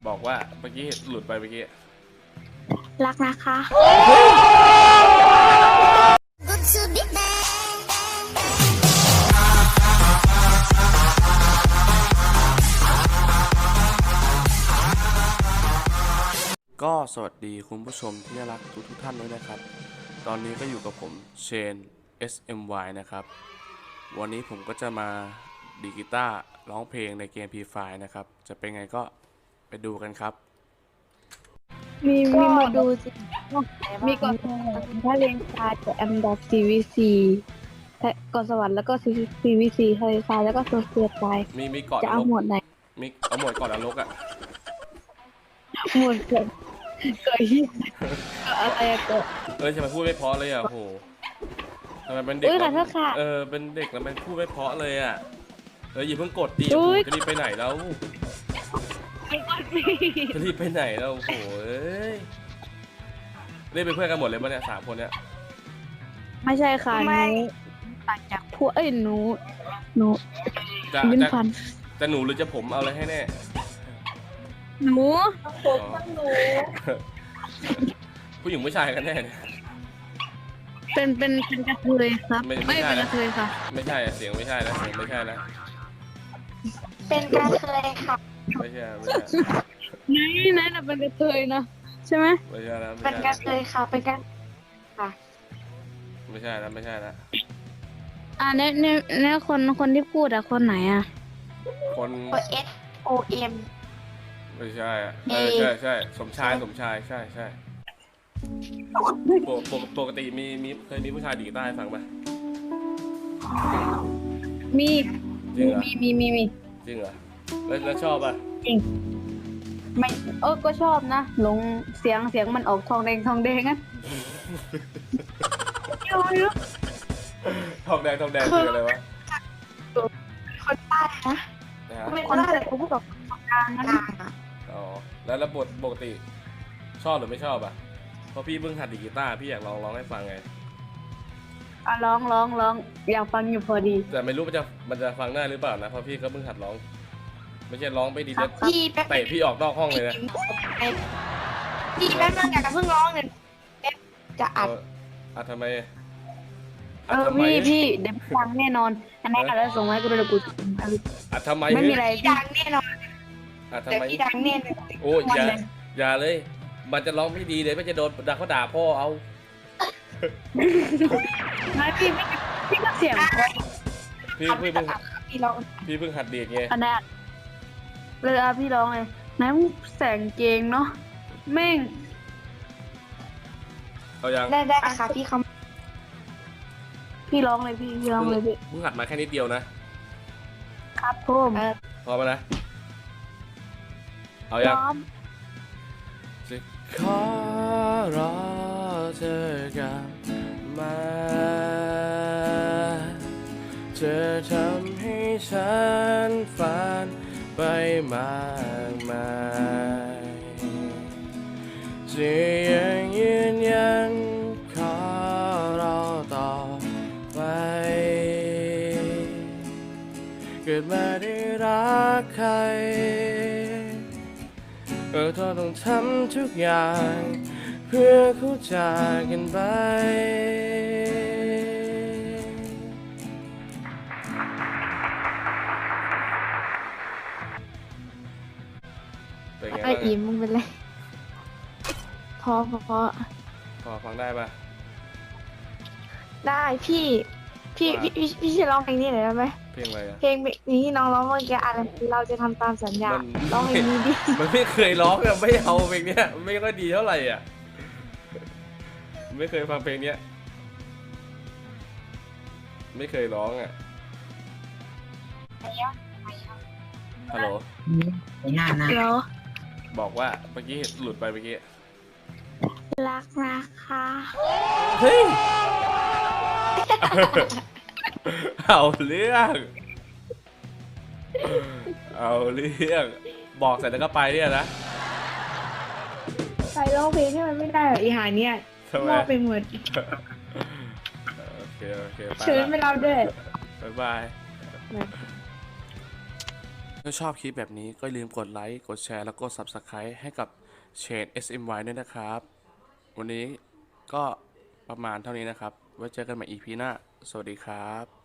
บอกว่าเมื่อกี้หลุดไปเมื่อกี้รักนะคะก็สวัสดีคุณผู้ชมที่น่ารักทุกท่านด้วยนะครับ ตอนนี้ก็อยู่กับผมเชน SMY นะครับ วันนี้ผมก็จะมาดีดกีตาร์ร้องเพลงในเกม Free Fire นะครับ จะเป็นไงก็ไปดูกันครับมีมาดูสิมีก่อนถ้าเรียนคาจะแอมดอก CVC ก่อนสวรรค์แล้วก็ CVC ทะเลทรายแล้วก็โซเฟียตายมีก่อนจะเอาหมวดไหนเอาหมวดก่อนนรกอ่ะหมวดเกิดที่อะไรเกิดทำไมพูดไม่เพราะเลยอ่ะโหทำไมเป็นเด็กเป็นเด็กแล้วมันพูดไม่เพราะเลยอ่ะอย่าเพิ่งกดดิจะรีบไปไหนแล้วจะรีบไปไหนแล้วโหเล่นเป็นเพื่อนกันหมดเลยป่ะเนี่ย3 คนเนี่ยไม่ใช่ค่ะหนูต่างจากพวกหนูยิ้มฟันจะหนูหรือจะผมเอาอะไรให้แน่หนูผมหนูผู้หญิงผู้ชายกันแน่เนี่ยเป็นกระเทยครับไม่เป็นกระเทยค่ะไม่ใช่เสียงไม่ใช่นะเสียงไม่ใช่นะเป็นกระเทยค่ะไม่ใช่ไหนน่ะเป็นกระเทยนะใช่ไหมไม่ใช่นะเป็นกระเทยค่ะเป็นกระค่ะไม่ใช่นะเนี่ยคนที่พูดอะคนไหนอะคน SOM ไม่ใช่ใช่สมชายใช่ปกติเคยมีผู้ชายดีดกีตาร์ให้ฟังป่ะมีจริงเหรอแล้วชอบป่ะจริงไม่ก็ชอบนะหลงเสียงมันออกทองแดงอ่ะทองแดงคืออะไรวะคนใต้นะไม่คนใต้แต่ผมพูดกับคนกลางนะอ๋อแล้วปกติชอบหรือไม่ชอบอ่ะเพราะพี่เพิ่งหัดดีดกีตาร์พี่อยากร้องให้ฟังไงร้องอยากฟังอยู่พอดีแต่ไม่รู้มันจะฟังได้หรือเปล่านะเพราะพี่ก็เพิ่งหัดร้องไม่ใช่ร้องไปดีแล้วเตะพี่ออกนอกห้องเลยนะพี่แป๊บนึงอยากจะเพิ่งร้องเลยจะอัดทำไมพี่เดี๋ยวฟังแน่นอนอันนี้อัดแล้วส่งให้กูดูกูอัดทำไมไม่มีอะไรดังแน่นอนอัดทำไมพี่ดังแน่เลยโอ้อย่าเลยมันจะร้องไม่ดีเลยไม่จะโดนเขาด่าพ่อเอาไม่พี่ก็เสียงพี่เพิ่งหัดดีดไงอันนั้นเลยพี่ร้องเลยไหนมึงแสงเกงเนาะแม่งเอายังได้ค่ะพี่ร้องเลยพี่ร้องเลยพี่มึงหัดมาแค่นิดเดียวนะครับผมพอมานะเอายังจะขอรอเธอกลับมาจะทำให้ฉันฝันไปมากมายจะยังยืนยันขอรอต่อไปเกิดมาได้รักใครก็ต้องทำทุกอย่างเพื่อเข้าใจกันไปไอ้อิ่มมึงเป็นไรพอฟังได้ปะได้พี่จะร้องเพลงนี้หน่อยได้ไหมเพลงอะไรอะเพลงนี้ที่น้องร้องเมื่อกี้อะไรเราจะทำตามสัญญาร้องเพลงนี้ดิมันไม่เคยร้องอะไม่เอาเพลงเนี้ยไม่ค่อยดีเท่าไหร่อ่ะไม่เคยฟังเพลงเนี้ยไม่เคยร้องอ่ะฮัลโหลฮัลโหลบอกว่าเมื่อกี้หลุดไปเมื่อกี้รักนะคะเฮ้ยเอาเรื่องบอกเสร็จแล้วก็ไปเนี่ยนะใครร้องเพลงให้มันไม่ได้หรออีหาเนี่ยมอบไปหมดโอเคเชิญไปเราด้วยบ๊ายบายถ้าชอบคลิปแบบนี้ก็อย่าลืมกดไลค์กดแชร์แล้วก็ Subscribe ให้กับ Chain SMY ด้วยนะครับ วันนี้ก็ประมาณเท่านี้นะครับ ไว้เจอกันใหม่ EP หน้า สวัสดีครับ